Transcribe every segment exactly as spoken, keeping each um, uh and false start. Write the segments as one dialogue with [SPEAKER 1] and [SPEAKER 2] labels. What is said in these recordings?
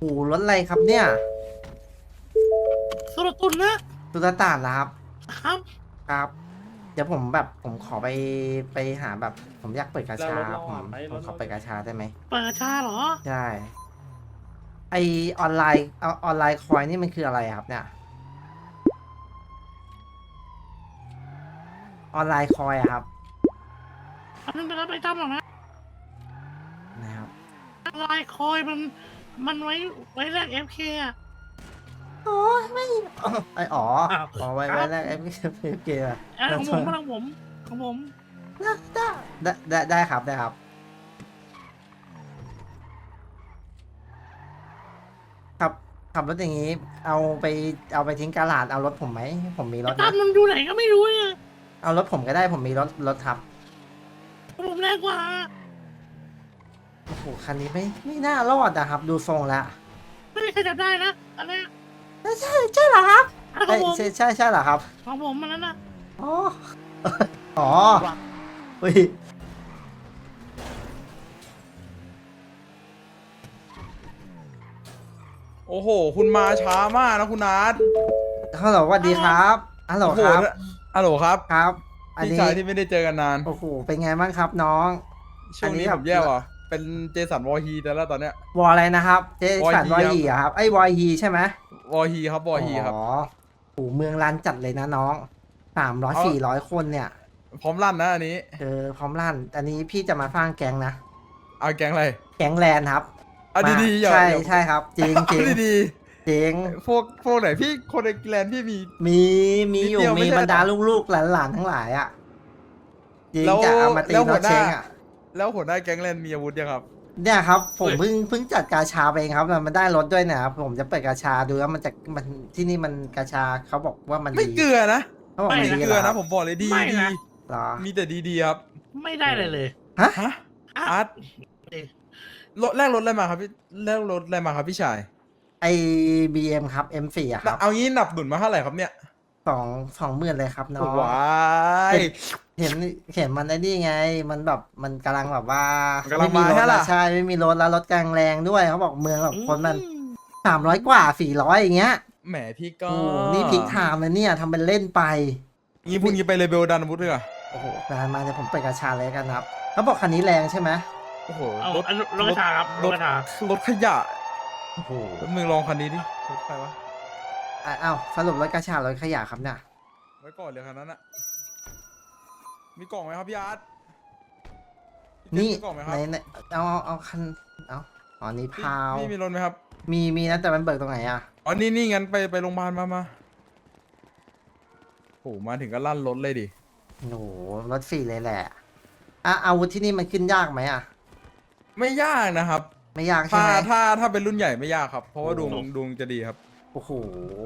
[SPEAKER 1] โอ้โหรถอะไรครับเนี่ย
[SPEAKER 2] สุรตุนนะ
[SPEAKER 1] ตุลตานเหรอครับ
[SPEAKER 2] ครับ
[SPEAKER 1] ครับ เดี๋ยวผมแบบผมขอไปไปหาแบบ ผมอยากเปิดกาชา
[SPEAKER 3] แล้วรถเรา
[SPEAKER 1] ผม
[SPEAKER 3] อ่ะไป
[SPEAKER 1] ผม
[SPEAKER 3] รถ
[SPEAKER 1] ขอ
[SPEAKER 3] เรา
[SPEAKER 1] เปิดกาชาได้ไหม
[SPEAKER 2] เปิดชาเหรอ
[SPEAKER 1] ใช่ไอออนไลน์เอาออนไลน์คอยนี่มันคืออะไรครับเนี่ยออนไลน์คอยอะครับ
[SPEAKER 2] อันนั้นเป็นรับไปทำหรอกนะ
[SPEAKER 1] นะครับ
[SPEAKER 2] ลายคอยมัน มันไว้ไว้แลกเอฟเคอะ
[SPEAKER 1] โอ้ยไม่ไออ๋อ
[SPEAKER 2] อ้าว
[SPEAKER 1] อ๋อไว้
[SPEAKER 2] ครับ
[SPEAKER 1] ไว้แรกเอฟเกมอะ
[SPEAKER 2] อันของผมของผมของผม
[SPEAKER 1] ได้ได้ได้ได้ครับได้ครับ ครับขับรถอย่างนี้ เอาไปเอาไปทิ้งกาลาดเอารถผมไหมผมมีรถ
[SPEAKER 2] ตั้
[SPEAKER 1] นะ
[SPEAKER 2] มมันอยู่ไหนก็ไม่รู้เนี่ย
[SPEAKER 1] เอารถผมก็ได้ผมมีรถรถครับ
[SPEAKER 2] ผมแรงกว่า
[SPEAKER 1] โอ้โหคันนี้ไม่ไม่น่ารอดนะครับ ดูทรงแล้ว
[SPEAKER 2] ไม่มีใครจับได้นะอันนี้
[SPEAKER 1] ใช่ใช่ใช่เหรอครับ
[SPEAKER 2] อันขอ
[SPEAKER 1] ใช่
[SPEAKER 2] งผม
[SPEAKER 1] ใช่ใช่ใช่เหรอครับ
[SPEAKER 2] ของผมมันนั้นนะ
[SPEAKER 1] อ๋อ อ๋ออุ้ย
[SPEAKER 3] โอ้โห คุณมาช้ามากนะคุณนัท
[SPEAKER 1] ฮัลโหลสวัสดีครับฮัลโหล
[SPEAKER 3] โอ้โห
[SPEAKER 1] ครับ
[SPEAKER 3] ฮัลโหลครับ
[SPEAKER 1] ครับ อัน
[SPEAKER 3] พี่
[SPEAKER 1] นี้
[SPEAKER 3] ชายที่ไม่ได้เจอกันนาน
[SPEAKER 1] โอ้โหเป็นไงบ้างครับน้อง
[SPEAKER 3] ช่วงนี้
[SPEAKER 1] อั
[SPEAKER 3] ผมแย่ว่ะ เป็นเจสันวอฮีแต่แล้วตอนเนี้ยว
[SPEAKER 1] ออะไรนะครับ เจสันว
[SPEAKER 3] ว
[SPEAKER 1] อ
[SPEAKER 3] อฮี
[SPEAKER 1] ฮีอะครับไอ้วอฮีใช่ไหม
[SPEAKER 3] วอฮีครับวอฮีครับ
[SPEAKER 1] อ๋อโอ้โหเมืองรันจัดเลยนะน้องสามร้อย
[SPEAKER 3] เอา
[SPEAKER 1] สี่ร้อยคนเนี่ย
[SPEAKER 3] พร้อมลั่นนะอันนี้
[SPEAKER 1] เออพร้อมลั่น อันนี้พี่จะมาสร้างแก๊งนะ
[SPEAKER 3] เอาแก๊งอะไร
[SPEAKER 1] แก๊งแลนด์ครับ
[SPEAKER 3] เอา
[SPEAKER 1] มา
[SPEAKER 3] ดีๆอย่า
[SPEAKER 1] ใช่
[SPEAKER 3] อย่า
[SPEAKER 1] ใช่ครับ จริงจริง
[SPEAKER 3] เอาดี
[SPEAKER 1] จริง
[SPEAKER 3] ๆพวกพวกไหนพี่คนในแกลนด์พี่มี
[SPEAKER 1] มีมีอยู่
[SPEAKER 3] นิดเดียวไม่
[SPEAKER 1] มี
[SPEAKER 3] ใช่
[SPEAKER 1] บรรดา
[SPEAKER 3] เหรอ
[SPEAKER 1] ลูกๆหลานๆทั้งหลายอ่ะจริง
[SPEAKER 3] แล้ว
[SPEAKER 1] จะเอามาตี
[SPEAKER 3] แล้วหั
[SPEAKER 1] น็อ
[SPEAKER 3] ว
[SPEAKER 1] ต
[SPEAKER 3] หน้า
[SPEAKER 1] เชงอ่ะ
[SPEAKER 3] แล้วหัวหน้าแก๊งแลนด์มีอาวุธยังครับ
[SPEAKER 1] เนี่ยครับ ผม
[SPEAKER 3] เฮ้ย
[SPEAKER 1] เพิ่งเพิ่งจัดกาชาไปเองครับแล้วมันได้รถด้วยนะครับผมจะเปิดกาชาดูแล้วมันจะมันที่นี่มันกาชาเขาบอกว่ามัน
[SPEAKER 3] ไม่
[SPEAKER 1] ดี
[SPEAKER 3] เกลือนะ
[SPEAKER 1] เขาบอก
[SPEAKER 3] ไม่
[SPEAKER 1] มันดี
[SPEAKER 3] เก
[SPEAKER 1] เห
[SPEAKER 3] ลื
[SPEAKER 1] ร
[SPEAKER 3] อ
[SPEAKER 1] อครั
[SPEAKER 3] นะ
[SPEAKER 1] บ
[SPEAKER 3] ผมบอกเลยดี
[SPEAKER 2] ไม่
[SPEAKER 3] ดี
[SPEAKER 2] นะ
[SPEAKER 1] เหรอ
[SPEAKER 3] มีแต่ดีๆครับ
[SPEAKER 2] ไม่ได้เลยเลย
[SPEAKER 1] ฮะ
[SPEAKER 3] ฮะ
[SPEAKER 2] อ่ะ
[SPEAKER 3] อาร์ต
[SPEAKER 2] เอ๊ะ
[SPEAKER 3] รถแรกรถอะไรมาครับพี่แรกรถอะไรมาครับพี่ชาย
[SPEAKER 1] ไอบีเอ็มครับ เอ็ม โฟร์ อะครับ
[SPEAKER 3] เอางี้หนับหนุนมาเท่าไหร่ครับเนี่ย
[SPEAKER 1] สองสองหมื่นเลยครับน้อง
[SPEAKER 3] ว้าย
[SPEAKER 1] เห็นเห็นมันไอ้นี่ไง มันแบบมันกำลังแบบว่า
[SPEAKER 3] มันกำลัง
[SPEAKER 1] ไม่มีรถ
[SPEAKER 3] มาใช่
[SPEAKER 1] แล้ว
[SPEAKER 3] ล่ะ
[SPEAKER 1] ใช่ไม่มีรถแล้วรถกลางแรงด้วยเขาบอกเมืองแบบคนมัน
[SPEAKER 2] อืม
[SPEAKER 1] สามร้อยกว่าสี่ร้อยอย่างเงี้ย
[SPEAKER 3] แหมพี่ก็
[SPEAKER 1] โอ้โหนี่พลิกไทม์เลยเนี่ยทำเป็นเล่นไป
[SPEAKER 3] งี้พรุ่งนี้ไปเลเบลดันอาวุธเลยเหรอ
[SPEAKER 1] โอ้โหนานมาเดี๋ยวผมไปกระชาเลยกันครับเขาบอกคันนี้แรงใช่ไหม
[SPEAKER 3] โอ้โห
[SPEAKER 2] เอา
[SPEAKER 3] รถ
[SPEAKER 2] อันรถกระชาครับรถกระชาร
[SPEAKER 3] ถขยะ
[SPEAKER 1] โอ้โห
[SPEAKER 3] รถมึงลองคันนี้ดิรถใครวะ
[SPEAKER 1] อ่ะอ้าวสรุปรถกระชารถขยะครับเนี่ย
[SPEAKER 3] ไว้ก่อนเลยคันนั้นอะมีกล่องไหมครับพี่อาร์ตพี่
[SPEAKER 1] นี่
[SPEAKER 3] เจมส์มีกล่องไหมค
[SPEAKER 1] ใน
[SPEAKER 3] รับ
[SPEAKER 1] ในเอาเอาเอาคันเอาอ๋อนี่
[SPEAKER 3] พี่
[SPEAKER 1] พาว
[SPEAKER 3] พี่มีรถไหมครับ
[SPEAKER 1] มีมีนะแต่มันเบิกตรงไหนอ่ะ
[SPEAKER 3] อ๋อนี่นี่งั้นไปไปโรงพยาบาลมามาโอ้โหมาถึงก็ลั่นรถเลยดิ
[SPEAKER 1] โอ้โหรถฟรีเลยแหละอ่ะอาวุธที่นี่มันขึ้นยากไหมอ่ะ
[SPEAKER 3] ไม่ยากนะครับ
[SPEAKER 1] ไม่ยากใช่
[SPEAKER 3] ถ้า
[SPEAKER 1] ไหม
[SPEAKER 3] ถ้าถ้าเป็นรุ่นใหญ่ไม่ยากครับ เพราะว่าดวง
[SPEAKER 1] โอ้
[SPEAKER 3] ดวงจะดีครับ
[SPEAKER 1] โอ้โห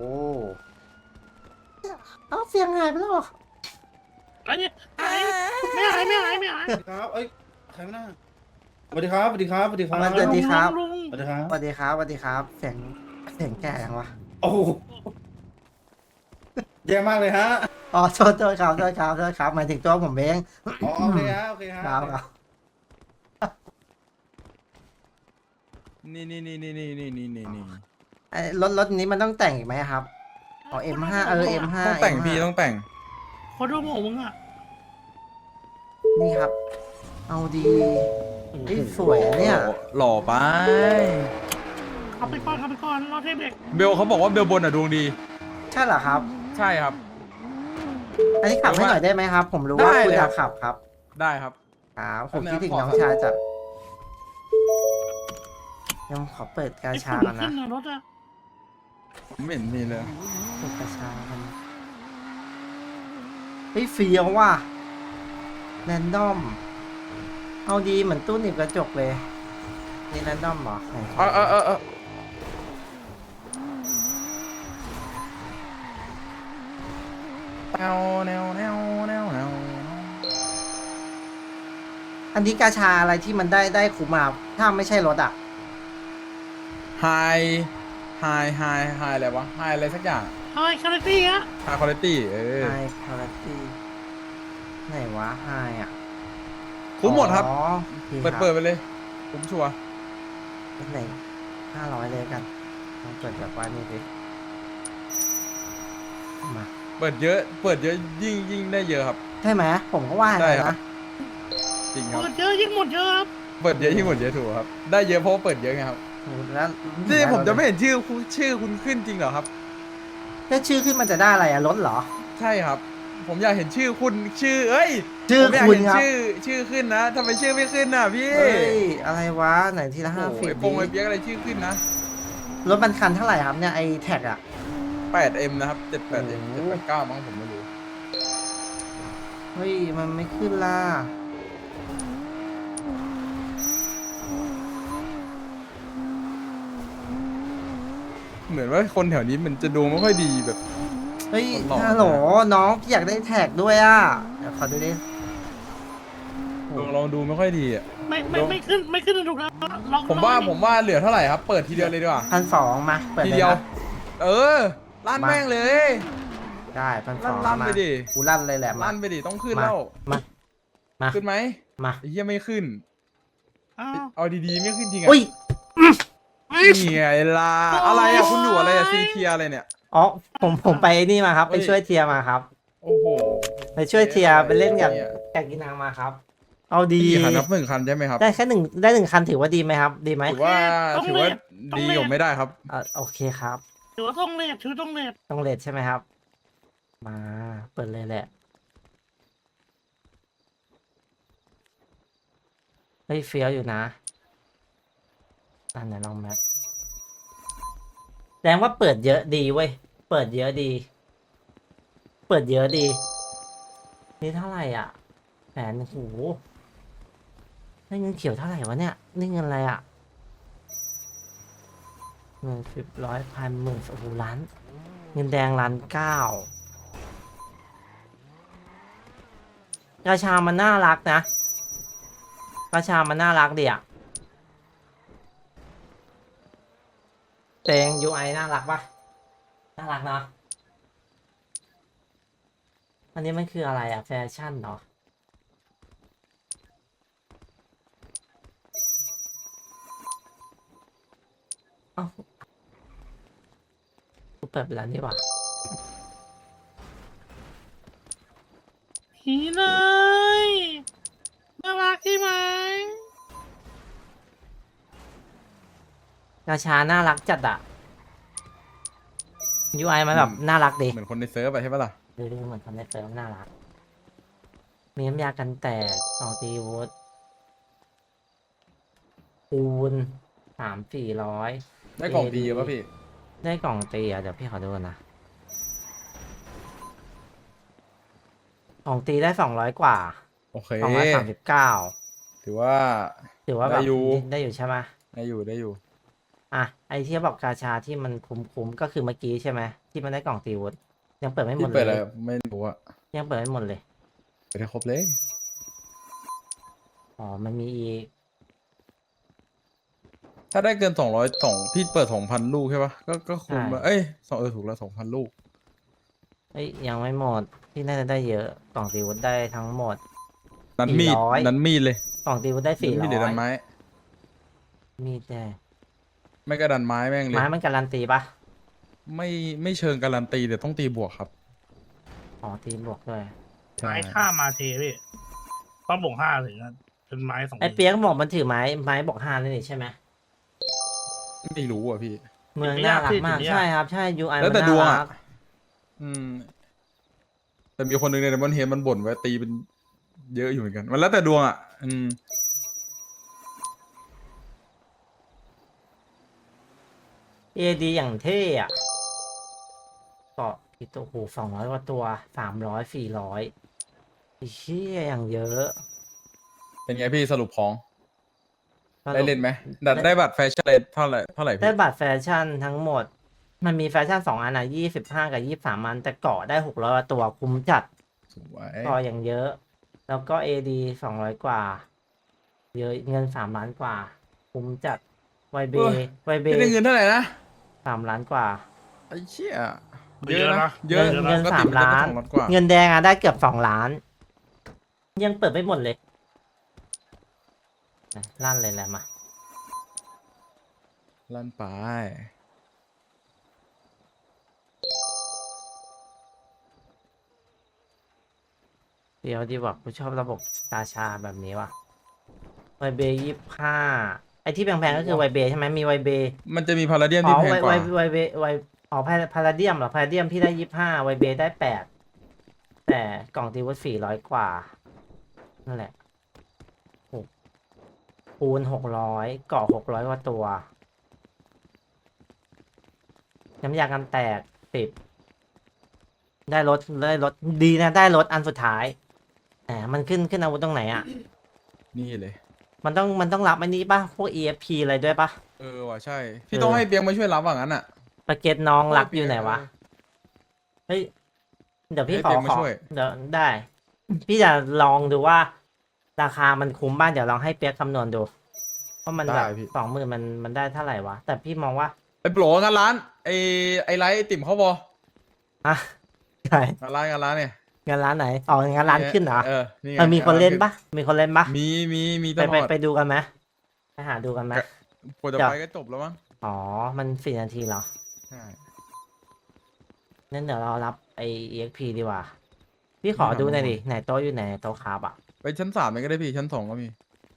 [SPEAKER 1] เอาเสียงหายไปแล้วเหรอ
[SPEAKER 2] อันนี้หายไม่หายไม่หายไม่หาย
[SPEAKER 4] ครับเอ้ย ใครไม่น่าสวัสดีครับ สวัสดีครับ สวัสดีครับ
[SPEAKER 1] สวัสดีครับ
[SPEAKER 2] ลุง
[SPEAKER 4] สวัสดีครับ
[SPEAKER 1] สวัสดีครับสวัสดีครับเสียงเสียงแก่ยังวะ
[SPEAKER 4] โอ้โหแย่มากเลยฮะ
[SPEAKER 1] อ๋อโทษโทษครับโทษครับโทษครับหมายถึงตัวผมเอง
[SPEAKER 4] อ๋อโอเคฮะ โอเคฮะ
[SPEAKER 1] ครับครับ
[SPEAKER 3] นี่นี่นี่นี่นี่นี่นี่นี่นี่
[SPEAKER 1] ไอ้รถรถนี้มันต้องแต่งอีกไหมครับอ๋อ เอ็ม ห้า เออ เอ็ม ห้า
[SPEAKER 3] ต้องแต่งพี่ต้องแต่ง
[SPEAKER 2] ขอดูหมวกมึงอ่ะ
[SPEAKER 1] นี่ครับ เอาดีเฮ้ยสวยอะเนี่ย
[SPEAKER 3] หล่อไป
[SPEAKER 2] ขับไปก่อนขับไปก่อนรอเทปเด็ก
[SPEAKER 3] เบลเขาบอกว่าเบลบนอ่ะดวงดี
[SPEAKER 1] ใช่เหรอครับ
[SPEAKER 3] ใช่ครับ
[SPEAKER 1] อันนี้ขับให้หน่อยได้ไหมครับ ผมรู้ว่า
[SPEAKER 3] ได้
[SPEAKER 1] คุณ
[SPEAKER 3] เลย
[SPEAKER 1] อ
[SPEAKER 3] ครั
[SPEAKER 1] ยา
[SPEAKER 3] บ
[SPEAKER 1] กขับครับ
[SPEAKER 3] ได้ครับ
[SPEAKER 1] ครับผม
[SPEAKER 3] แป๊บนึง
[SPEAKER 1] คิดถึง
[SPEAKER 3] ขอ
[SPEAKER 1] น้อง
[SPEAKER 3] ครับ
[SPEAKER 1] ชายจัดยังขอเปิดกา
[SPEAKER 2] ไอ้
[SPEAKER 1] ชา
[SPEAKER 2] ฝุ่น
[SPEAKER 1] กัน
[SPEAKER 2] ขึ้
[SPEAKER 1] นะ
[SPEAKER 2] นนะรถอ่ะ
[SPEAKER 3] ไม่เห็นมีเลย
[SPEAKER 1] เปิดกาชากันเฮ้ยเฟียวว่ะแรนดอม เอาดีเหมือนตู้หนีบกระจกเลย นี่แรนดอมเหรอไหน
[SPEAKER 3] เออเออเออเออแนวแนวแนวแนวแนว
[SPEAKER 1] อันนี้กาชาอะไรที่มันได้ได้คุ้มมาถ้าไม่ใช่รถอ่ะ
[SPEAKER 3] ไฮไฮไฮไฮอะไรวะไฮอะไรสักอย่าง
[SPEAKER 2] เฮ้ยคาราตี้อะ
[SPEAKER 3] ไฮคุณภาพเออ
[SPEAKER 1] ไฮคาราตี้ไหนวะไฮอ่ะ
[SPEAKER 3] คุ้มหมดครับ
[SPEAKER 1] อ๋อโอค
[SPEAKER 3] เปิด
[SPEAKER 1] ครับ
[SPEAKER 3] เปิดไปเลยคุ้มชัวร์
[SPEAKER 1] ไหนห้าร้อยเลยกันลองเปิดแบบว่านี่ดิมา
[SPEAKER 3] เปิดเยอะ เปิดเยอะยิ่งยิ่งได้เยอะครับ
[SPEAKER 1] ใช่ไหมผมก็ว่าอย่าง
[SPEAKER 3] ใช่
[SPEAKER 1] นั้น
[SPEAKER 3] ครั
[SPEAKER 1] นะ
[SPEAKER 3] บ จริงครับ
[SPEAKER 2] เปิดเยอะยิ่งหมดเยอะครับ
[SPEAKER 3] เปิดเยอะยิ่งหมดเยอะถูกครับ ได้เยอะเพราะว่าเปิดเยอะไงครับ
[SPEAKER 1] โอ้แล้ว
[SPEAKER 3] นี่ผมจะไม่เห็นชื่อคุณชื่อคุณขึ้นจริงเหรอครับ
[SPEAKER 1] ถ้าชื่อขึ้นมันจะได้อะไรอะลดเหรอ
[SPEAKER 3] ใช่ครับ ผมอยากเห็นชื่อคุณชื่อ เอ้ย
[SPEAKER 1] ชื่อ
[SPEAKER 3] ผมอยาก
[SPEAKER 1] คุณ
[SPEAKER 3] เห็น
[SPEAKER 1] ครับ
[SPEAKER 3] ชื่อชื่อขึ้นนะทำไมชื่อไม่ขึ้นน่ะพี่
[SPEAKER 1] เฮ้ยอะไรวะไหนทีละ
[SPEAKER 3] โอ้
[SPEAKER 1] ห้า
[SPEAKER 3] โห
[SPEAKER 1] สิบ
[SPEAKER 3] ไอ้ปงไอ้เปียกอะไรชื่อขึ้นนะ
[SPEAKER 1] รถมันคันเท่าไหร่ครับเนี่ยไอแท็กอะ
[SPEAKER 3] แปดเอ็ม นะครับเจ็ดแปดเอ็ม
[SPEAKER 1] โอ้
[SPEAKER 3] เจ็ด
[SPEAKER 1] โห
[SPEAKER 3] แปดเก้ามั้งผมไม่รู้
[SPEAKER 1] เฮ้ยมันไม่ขึ้นล่ะ
[SPEAKER 3] เหมือนว่าคนแถวนี้มันจะดูไม่ค่อยดีแบบ
[SPEAKER 1] เฮ้ย
[SPEAKER 3] หล่อๆ
[SPEAKER 1] ฮัลโหลน้องพี่อยากได้แท็กด้วยอ่ะเดี๋ยวขอดูดิ
[SPEAKER 3] ลองลองดูไม่ค่อยดีอ่ะ
[SPEAKER 2] ไม่ไม่ไม่ขึ้นไม่ขึ้นถูกแล้วลอง
[SPEAKER 3] ผมว่า
[SPEAKER 2] ลองดิ
[SPEAKER 3] ผมว่าเหลือเท่าไหร่ครับ เปิดทีเดียวเลยดีกว่า
[SPEAKER 1] พันสองมาเปิด
[SPEAKER 3] ที
[SPEAKER 1] เลย
[SPEAKER 3] เดียว
[SPEAKER 1] นะ
[SPEAKER 3] เออลั่น
[SPEAKER 1] มา
[SPEAKER 3] แม่งเลย
[SPEAKER 1] ได้พันสอง
[SPEAKER 3] ลั่นๆ
[SPEAKER 1] มา
[SPEAKER 3] ไปดิ
[SPEAKER 1] กูลั่นเลยแหละมา
[SPEAKER 3] ลั่นไปดิต้องขึ้น
[SPEAKER 1] มา
[SPEAKER 3] แล้ว
[SPEAKER 1] มามา
[SPEAKER 3] ขึ้นไหม
[SPEAKER 1] มา
[SPEAKER 3] ไอ้เหี้ยไม่ขึ้น
[SPEAKER 2] อ้าว
[SPEAKER 3] เอาดีๆไม่ขึ้นจริงอ่ะ
[SPEAKER 1] อุ้ย
[SPEAKER 2] เฮ้ย
[SPEAKER 3] นี่ไงล่ะอะไรอ่ะคุณอยู่อะไรอ่ะซีเทียอะไรเนี่ย
[SPEAKER 1] อ๋อผมผมไปนี่มาครับ
[SPEAKER 3] เฮ้
[SPEAKER 1] ไป
[SPEAKER 3] ย
[SPEAKER 1] ช่วยเทียร์มาครับ
[SPEAKER 3] โอ้โห
[SPEAKER 1] ไปช่วยเทียร์ไปเล่นกับ
[SPEAKER 3] เนี่ย
[SPEAKER 1] แกกินางมาครับ เอาดี
[SPEAKER 3] กี่คันนับหนึ่งคันใช่ไหมครับ
[SPEAKER 1] ได้แค่หนึ่งได้หนึ่งคันถือว่าดีไหมครับ ดีไหม
[SPEAKER 3] ถือว่าถือว่าดีอยู่ไม่ได้ครับ
[SPEAKER 1] เออโอเคครับ
[SPEAKER 2] ถือว่าต้องเลทถือต้องเลท
[SPEAKER 1] ต้องเลทใช่ไหมครับ มาเปิดเลยแหละเฮ้ยเฟี้ยวอยู่นะอันไหนลองแมปแสดงว่าเปิดเยอะดีเว้ย เปิดเยอะดี เปิดเยอะดี นี่เท่าไหร่อ่ะแสนโหได้เงินเขียวเท่าไหร่วะเนี่ยนี่เงินอะไรอ่ะเงินสิบร้อยพันหมื่นโอ้โหล้าน เงินแดงล้านเก้ากาชามันน่ารักนะกาชามันน่ารักดีอ่ะเตง ยู ไอ น่ารักปะน่ารักเนาะอันนี้มันคืออะไรอ่ะแฟชั่นเนาะเอ้ากูเปิดไปแล้วนี่หว่า
[SPEAKER 2] ผีเลยน่ารักใช่ไหม
[SPEAKER 1] กาชาน่ารักจัดอะ ยู ไอ มันแบบน่ารักดี
[SPEAKER 3] เหมือนคนในเซิร์ฟไปใช่ปะล่ะ
[SPEAKER 1] ดูดูเหมือนทำในเซิร์ฟน่ารัก มีน้ำยากันแตกสองตีวูดปูนสามสี่ร้อย
[SPEAKER 3] ได้กล่องดีเยอะป่ะพี่
[SPEAKER 1] ได้กล่องตีอ่ะ เดี๋ยวพี่ขอดูก่อนนะ กล่องตีได้สองร้อยกว่า
[SPEAKER 3] โอเค
[SPEAKER 1] สองร้อยสามสิบเก้า
[SPEAKER 3] ถือว่า
[SPEAKER 1] ถือว่าแบบ
[SPEAKER 3] ได้อยู่
[SPEAKER 1] ได้อยู่ใช่ไหม
[SPEAKER 3] ได้อยู่ได้อยู่
[SPEAKER 1] อ่ะ ไอที่บอกกาชาที่มันคุ้มๆก็คือเมื่อกี้ใช่ไหมที่มันได้กล่องตีวูดยังเปิดไม่หม
[SPEAKER 3] ที่
[SPEAKER 1] ด
[SPEAKER 3] เปิด
[SPEAKER 1] เล
[SPEAKER 3] อะไร
[SPEAKER 1] ย
[SPEAKER 3] ไม่รู้อะ
[SPEAKER 1] ยังเปิดไม่หมดเลย
[SPEAKER 3] เปิดให้ครบเลย
[SPEAKER 1] อ๋อ มันมีอีก
[SPEAKER 3] ถ้าได้เกินสองร้อยสองพี่เปิดสองพันลูกใช่ปะก็ก็คุ้ม
[SPEAKER 1] ใช่
[SPEAKER 3] อะเอ้ยสองเออถูกแล้วสองพันลูก
[SPEAKER 1] เอ้ยยังไม่หมดพี่น่าจะได้เยอะกล่องตีวุฒได้ทั้งหมด
[SPEAKER 3] นั้นมีด
[SPEAKER 1] สี่ร้อย
[SPEAKER 3] นั้นมีดเลย
[SPEAKER 1] กล่องตีวุฒได้สี่
[SPEAKER 3] นั้น
[SPEAKER 1] ร้
[SPEAKER 3] มีดหรือดั
[SPEAKER 1] อน ย
[SPEAKER 3] ไม้
[SPEAKER 1] มีแต่
[SPEAKER 3] ไม่ก็ดันไม้แม่งเลย
[SPEAKER 1] ไม้มันการันตีปะ
[SPEAKER 3] ไม่ไม่เชิงการันตีแต่ต้องตีบวกครับ
[SPEAKER 1] อ๋อตีบวกด้วย
[SPEAKER 3] ใช่
[SPEAKER 2] ไม้ท่ามาเทพี่ต้องบ่งห้าถึงจะเป็นไม้สอง
[SPEAKER 1] ไอเปียกบอกมันถือไม้ไม้บอกห้าเลยนี่ใช่ไหม
[SPEAKER 3] ไม่รู้อ่ะพี่
[SPEAKER 1] เมืองน่ารักมากใช่ครับใช่ยูไอ
[SPEAKER 3] แล้ว
[SPEAKER 1] มัน
[SPEAKER 3] แต่ดวง
[SPEAKER 1] น่า
[SPEAKER 3] อ่ะ
[SPEAKER 1] รัก
[SPEAKER 3] อืม แต่มีคนหนึ่งในมันเฮมันบ่นไว้ตีเป็นเยอะอยู่เหมือนกัน มันแล้วแต่ดวงอ่ะ อืม
[SPEAKER 1] เอดีอย่างเท่อะเกาะกี่ตัวโอ้โหสองร้อยกว่าตัวสามร้อยสี่ร้อยไอ้เชี่ยอย่างเยอะ
[SPEAKER 3] เป็นไงพี่สรุปของ
[SPEAKER 1] สรุป
[SPEAKER 3] ได้เล่นไหมได้ได้บัตรแฟชั่นเลยเท่าไหร่เท่าไหร่
[SPEAKER 1] ได้
[SPEAKER 3] พี่
[SPEAKER 1] บัตรแฟชั่นทั้งหมด มันมีแฟชั่นสองอันอ่ะยี่สิบห้ากับยี่สิบสามอันแต่เกาะได้หกร้อยตัวคุ้มจัด
[SPEAKER 3] สวย
[SPEAKER 1] เกาะอย่างเยอะ แล้วก็เอดีสองร้อยกว่า เยอะเงินสามล้านกว่า คุ้มจัดไวเบไวเบ
[SPEAKER 3] พี่ได้เงินเท่าไหร่นะ
[SPEAKER 1] สามล้านกว่า
[SPEAKER 3] ไอ้เชี่ยเยอะนะเยอะ
[SPEAKER 1] เงินเงิน
[SPEAKER 3] ปก
[SPEAKER 1] สา
[SPEAKER 3] ติ
[SPEAKER 1] มล้าน
[SPEAKER 3] จะต้องสองล้านกว่า
[SPEAKER 1] เงินแดงอ่ะได้เกือบสองล้าน ยังเปิดไม่หมดเลยลั่นเลยแหละมา
[SPEAKER 3] ลั่นไป
[SPEAKER 1] เดี๋ยวดีกว่ากูชอบระบบตาชาแบบนี้ว่ะไวเบยี่ห้าไอที่แพงๆก็คือไวเบใช่ไหมมีไวเบ
[SPEAKER 3] มันจะมีพาราเดียม
[SPEAKER 1] อ๋อ
[SPEAKER 3] ที่แพง
[SPEAKER 1] ไว
[SPEAKER 3] ก
[SPEAKER 1] ไว
[SPEAKER 3] ว่า
[SPEAKER 1] ไวเบไวอ๋อพาพาราเดียมเหรอพาราเดียมพี่ได้ยี่ห้าไวเบได้แปดแต่กล่องตีวุฒิสี่ร้อยกว่านั่นแหละหกคูณหกร้อยเกาะหกร้อยกว่าตัวน้ำยากันแตกสิบได้รถได้รถดีนะได้รถอันสุดท้ายแหมมันขึ้นขึ้นอาวุธตรงไหนอ่ะ
[SPEAKER 3] นี่เลย
[SPEAKER 1] มันต้องมันต้องรับอันนี้ป่ะ พวก อี เอฟ พี อะไรด้วยป่ะ
[SPEAKER 3] เออว่ะใช่ พี่ต้องให้เปียงมาช่วยรับว่างั้นอ่ะ
[SPEAKER 1] ปากเก็ตน้องรัก
[SPEAKER 3] โอ้ย
[SPEAKER 1] อยู่ไหนวะ เฮ้ย เดี๋ยวพี่
[SPEAKER 3] ให้
[SPEAKER 1] ขอ
[SPEAKER 3] เปียงมา
[SPEAKER 1] ขอ
[SPEAKER 3] ช่วย
[SPEAKER 1] เดี๋ยวได้ พี่จะลองดูว่า ราคามันคุ้มบ้างเดี๋ยวลองให้เปียกคำนวณดูว่ามันแบบ
[SPEAKER 3] ได้พี่
[SPEAKER 1] สองหมื่นมันมันได้เท่าไหร่วะ แต่พี่มองว่า
[SPEAKER 3] ไอ้โปรงานร้าน ไอ้ไอ้ไลท์ไอ้ติ่มเขาบอ
[SPEAKER 1] อ่ะใช่
[SPEAKER 3] งานร้านงานร้านเนี่ย
[SPEAKER 1] งานร้านไหนอ๋องานร้านขึ้นเหรอ
[SPEAKER 3] เออนี่ไง
[SPEAKER 1] เออมีคนเล่น
[SPEAKER 3] งา
[SPEAKER 1] ปะมีคนเล่นปะ
[SPEAKER 3] มีมีมีต
[SPEAKER 1] ไป
[SPEAKER 3] ล
[SPEAKER 1] ไป
[SPEAKER 3] อด
[SPEAKER 1] ไปดูกันไหมไปหาดูกันไหม
[SPEAKER 3] กว่าจะ
[SPEAKER 1] เดี๋ยว
[SPEAKER 3] ไปก็จบแล้วมั้ง
[SPEAKER 1] อ๋อ มันสี่นาทีเหรอ
[SPEAKER 3] ใช่
[SPEAKER 1] นั่นเดี๋ยวเรารับไอ อี เอ็กซ์ พี ดีกว่า พี่ขอดูหน่อยดิ ไหนโต๊ะอยู่ไหนโต๊ะคาบอ่ะ
[SPEAKER 3] ไปชั้นสามเลยก็ได้พี่ชั้นสองก็มี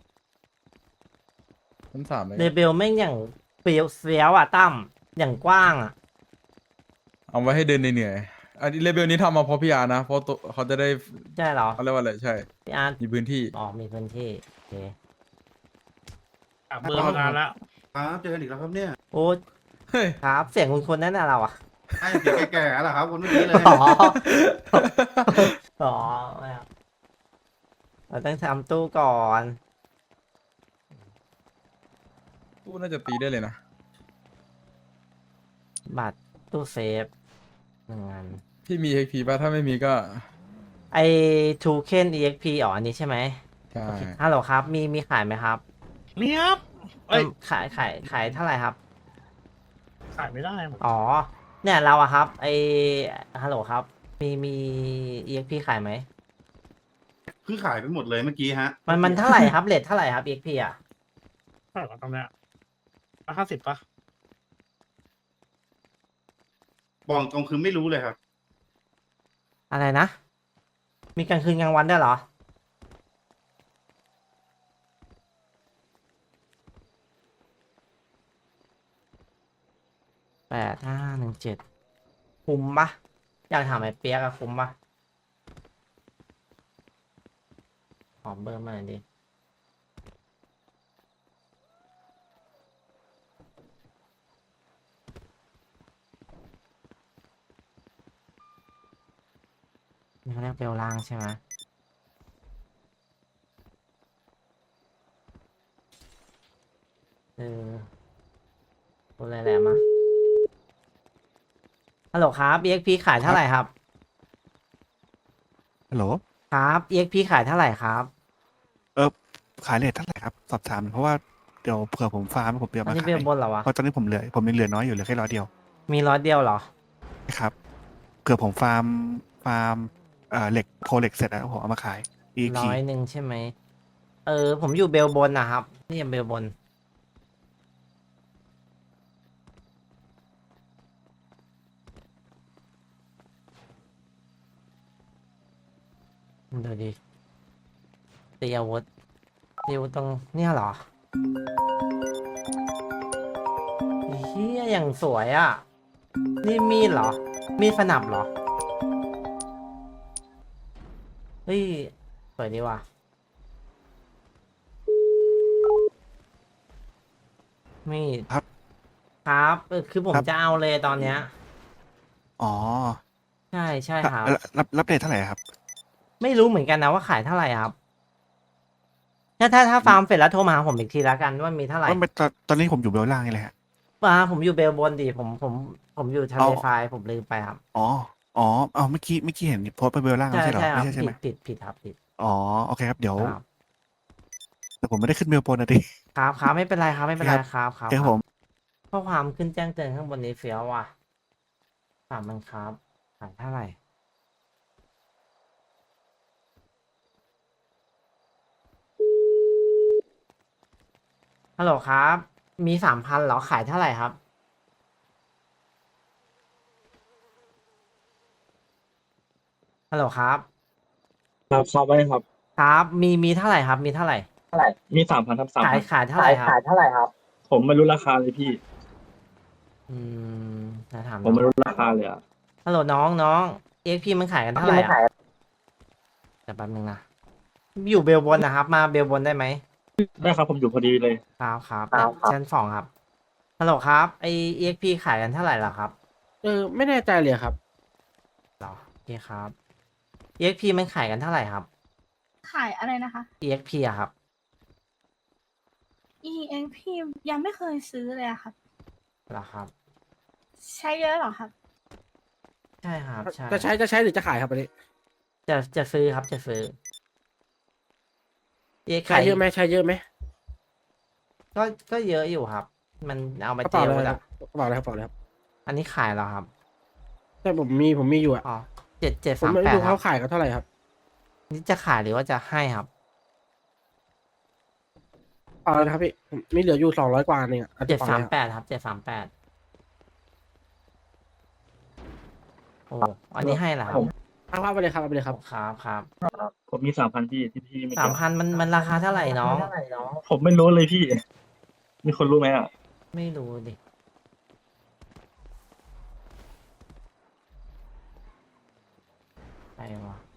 [SPEAKER 3] ชั้นสามเลย
[SPEAKER 1] เรเบลแม่งอย่างเฟี้ยวเฟี้ยวอ่ะตั้มอย่างกว้างอ่ะ
[SPEAKER 3] เอาไว้ให้เดินเหนื่อยๆอันนี้เลเวลนี้ทำมาเพราะพี่อาร์นะ เพราะตัวเขาจะได้
[SPEAKER 1] ใช่เหรอ
[SPEAKER 3] เขาเรียกว่าอะไรใช่
[SPEAKER 1] พี่อาร์ต
[SPEAKER 3] มีพื้นที่
[SPEAKER 1] อ๋อมีพื้นที่โอเค
[SPEAKER 2] อ่ะเบอร์มานานแล้ว
[SPEAKER 4] ครับเจอกันอีกแล้วครับเนี่ย
[SPEAKER 1] โอ้
[SPEAKER 3] เฮ้ย
[SPEAKER 1] ครับเสียงคุณคนนั่นน่ะเราอ่ะ
[SPEAKER 4] ไอ้เสียงแก่ๆแล้วครับคนเมื่อกี้เลย
[SPEAKER 1] อ๋อ อ๋อไม่เอาเราต้องทำตู้ก่อน
[SPEAKER 3] ตู้น่าจะตีได้เลยนะ
[SPEAKER 1] บัตรตู้เซฟหนึ่งอัน
[SPEAKER 3] พี่มี เอ็กซ์ พี ป่ะ ถ้าไม่มีก็
[SPEAKER 1] ไอทูเคน อี เอ็กซ์ พี อ๋ออันนี้ใช่ไหม
[SPEAKER 3] ใช่
[SPEAKER 1] โอเคฮัลโหลครับ มีมีขายไหมครับ
[SPEAKER 2] นี่ครับเอ้ย
[SPEAKER 1] เอิ่มขายขายขายเท่าไหร่ครับ
[SPEAKER 2] ขายไม่ได้หมด
[SPEAKER 1] อ๋อ เนี่ยเราอะครับ ไอฮัลโหลครับ มีมี อี เอ็กซ์ พี ขายไหม
[SPEAKER 4] คือขายไปหมดเลยเมื่อกี้ฮะ
[SPEAKER 1] มันมันเท่าไหร่ครับเรทเท่าไหร่ครับ อี เอ็กซ์ พี อ่ะ
[SPEAKER 2] เท่าไหร่วะตอนเนี้ยห้าสิบปะ
[SPEAKER 4] บอกตรงคือไม่รู้เลยครับ
[SPEAKER 1] อะไรนะ มีกลางคืนกลางวันได้วยเหรอ แปดห้าหนึ่งเจ็ดคุ้มปะอยากถามไอ้เปียกอะคุ้มปะขอเบอร์มาหน่อยดิ นี่เขาเรียกเบลล่างใช่ไหมเออพูดอะไรแหละมาฮัลโหลครับ อี เอ็กซ์ พี ขายเท่าไหร่ครับ
[SPEAKER 5] ฮัลโหล
[SPEAKER 1] ครับ อี เอ็กซ์ พี ขายเท่าไหร่ครับ
[SPEAKER 5] เออขายเลทเท่าไหร่ครับ สอบถามเพราะว่าเดี๋ยวเผื่อผมฟาร์มผมเดี๋ยว
[SPEAKER 1] อัน
[SPEAKER 5] มา
[SPEAKER 1] นี้
[SPEAKER 5] ขา
[SPEAKER 1] เบ
[SPEAKER 5] ย
[SPEAKER 1] ลบนเหรอวะ
[SPEAKER 5] เพราะตอนนี้ผมเหลือผมยังเหลือน้อยอยู่เหลือแค่ร้อยเดียว
[SPEAKER 1] มีร้อยเดียวเหรอ
[SPEAKER 5] นะครับเผื่อผมฟาร์มฟาร์มเอ่อเหล็กโพเหล็กเสร็จแล้วผมเอามาขายอีก
[SPEAKER 1] ร้
[SPEAKER 5] ที
[SPEAKER 1] อยหนึ่งใช่ไหม เออ ผมอยู่เบลบนนะครับ นี่ยังเบลบน ดูดิตีอาวุธตีอาวุธตรงเนี่ยเหรอเฮียอย่างสวยอ่ะ นี่มีดเหรอ มีดสนับเหรอ เฮ้ย สวยดีว่ะ มีด
[SPEAKER 5] ครับ
[SPEAKER 1] ครับเออคือผม
[SPEAKER 5] ครับ
[SPEAKER 1] จะเอาเลยตอนเนี้ย
[SPEAKER 5] อ๋อ
[SPEAKER 1] ใช่ใช่ครับ
[SPEAKER 5] รับรับรับเลทเท่าไหร่ครับ
[SPEAKER 1] ไม่รู้เหมือนกันนะว่าขายเท่าไหร่ครับ ถ้าถ้าถ้าฟาร์มเสร็จแล้วโทรมาหาผมอีกทีละกันว่ามีเท่าไหร่
[SPEAKER 5] ว่าตอนตอนนี้ผมอยู่เบลล่างนี่แหละฮะ
[SPEAKER 1] อ่าผมอยู่เบลบนดิผมผมผมอยู่ทะเล
[SPEAKER 5] เอา
[SPEAKER 1] ทรายผมลืมไปครับ
[SPEAKER 5] อ๋ออ๋อเอาเมื่อกี้เมื่อกี้เห็นโพสต์ไปเบลล่าง
[SPEAKER 1] ใช่
[SPEAKER 5] ไม่ใช่เหรอ
[SPEAKER 1] ใช่ครั
[SPEAKER 5] ไม่
[SPEAKER 1] บ
[SPEAKER 5] ใช่ใช่
[SPEAKER 1] ผิ
[SPEAKER 5] ไหม
[SPEAKER 1] ดผิดผิดครับผิด
[SPEAKER 5] อ๋อโอเคครับเดี๋ยว
[SPEAKER 1] ครับ
[SPEAKER 5] แต่ผมไม่ได้ขึ้นเบลบนนะดิ
[SPEAKER 1] ครับครับไม่เป็นไรครับไม่เป็นไรครับครับ
[SPEAKER 5] เดี๋ยวผม
[SPEAKER 1] ข้อความขึ้นแจ้งเตือนข้างบนนี้เฟี้ยวว่ะถามมันครับขายเท่าไหร่ฮัลโหลครับมีสามพันเหรอขายเท่าไหร่ครับฮัลโหลครับ
[SPEAKER 6] ครับครับไว้ครับ
[SPEAKER 1] ครับมีมีเท่าไหร่ครับ มีเท่าไหร่
[SPEAKER 6] มีสามพันครับสาม
[SPEAKER 1] ขาย
[SPEAKER 6] พัน
[SPEAKER 1] ขายเท่าไหร่ครับ
[SPEAKER 6] ผมไม่รู้ราคาเลยพี่
[SPEAKER 1] อืมจะถาม
[SPEAKER 6] ผมไม่
[SPEAKER 1] น้อง
[SPEAKER 6] รู้ราคาเลยอ่ะ
[SPEAKER 1] ฮัลโหลน้องน้องเอ็กพีมันขายกันเท่าไหร่อ่ะเดี๋ยวแป๊บนึงนะอยู่เบลบนนะครับ มาเบลบนได้ไหม
[SPEAKER 6] ได้ครับผมอยู่พอดีเลย
[SPEAKER 1] ครับครับชั้นสองครับฮัลโหลครับไอเอ็กพีขายกันเท่าไหร่ล่ะครับ
[SPEAKER 2] เออไม่แน่ใจเลยครับ
[SPEAKER 1] เหรอโอเคครับเอ็กพีมันขายกันเท่าไหร่ครับ
[SPEAKER 7] ขายอะไรนะคะ
[SPEAKER 1] เอ็กพีอะครับ
[SPEAKER 7] อี เอ็ก พี ยังไม่เคยซื้อเลยอะครับ
[SPEAKER 1] เหรอครับ
[SPEAKER 7] ใช้เยอะเหรอครับ
[SPEAKER 1] ใช่ครับใช่
[SPEAKER 2] จะใช้จะใช้หรือจะขายครับอันนี้
[SPEAKER 1] จะจะซื้อครับจะซื้อเอ็ก
[SPEAKER 2] ใช้เยอะไหมใช้เยอะไหม
[SPEAKER 1] ก็ก็เยอะอยู่ครับ มันเอามาก
[SPEAKER 2] ระ
[SPEAKER 1] เจ
[SPEAKER 2] เป๋า
[SPEAKER 1] ล
[SPEAKER 2] อะไรค
[SPEAKER 1] อะ
[SPEAKER 2] รับกระเป๋าอะไรครับกระเป๋าอะไรครับ
[SPEAKER 1] อันนี้ขายแล้วครับ
[SPEAKER 2] แต่ผมมีผมมีอยู่อะ
[SPEAKER 1] อ๋อเจ็ดเจ็ด
[SPEAKER 2] ผม
[SPEAKER 1] สาม
[SPEAKER 2] ไม่
[SPEAKER 1] แปด
[SPEAKER 2] รู้
[SPEAKER 1] ค
[SPEAKER 2] เขา
[SPEAKER 1] รับ
[SPEAKER 2] ขายกันเท่าไหร่ครับ
[SPEAKER 1] นี่จะขายหรือว่าจะให้ครับ
[SPEAKER 2] เอาละครับพี่ผมมีเหลืออยู่สองร้อยกว่าเองอะอ
[SPEAKER 1] เจ็ด
[SPEAKER 2] กระ
[SPEAKER 1] สาม
[SPEAKER 2] เป๋
[SPEAKER 1] แป
[SPEAKER 2] อะไรครับ
[SPEAKER 1] ดครับเจ็ดสามแปดโอ้อันนี้ให้เหรอครับ
[SPEAKER 2] เอาภาพไปเลยครับเอาไปเลยครับ
[SPEAKER 1] ครับครับ
[SPEAKER 6] ผมมีสามพันพี่ที่พี่ไม่
[SPEAKER 1] สามพันมันมันราคาเท่าไหร่น้อง
[SPEAKER 6] ผมไม่รู้เลยพี่ มีคนรู้ไหมอ่ะ
[SPEAKER 1] ไม่รู้ดิไปวะ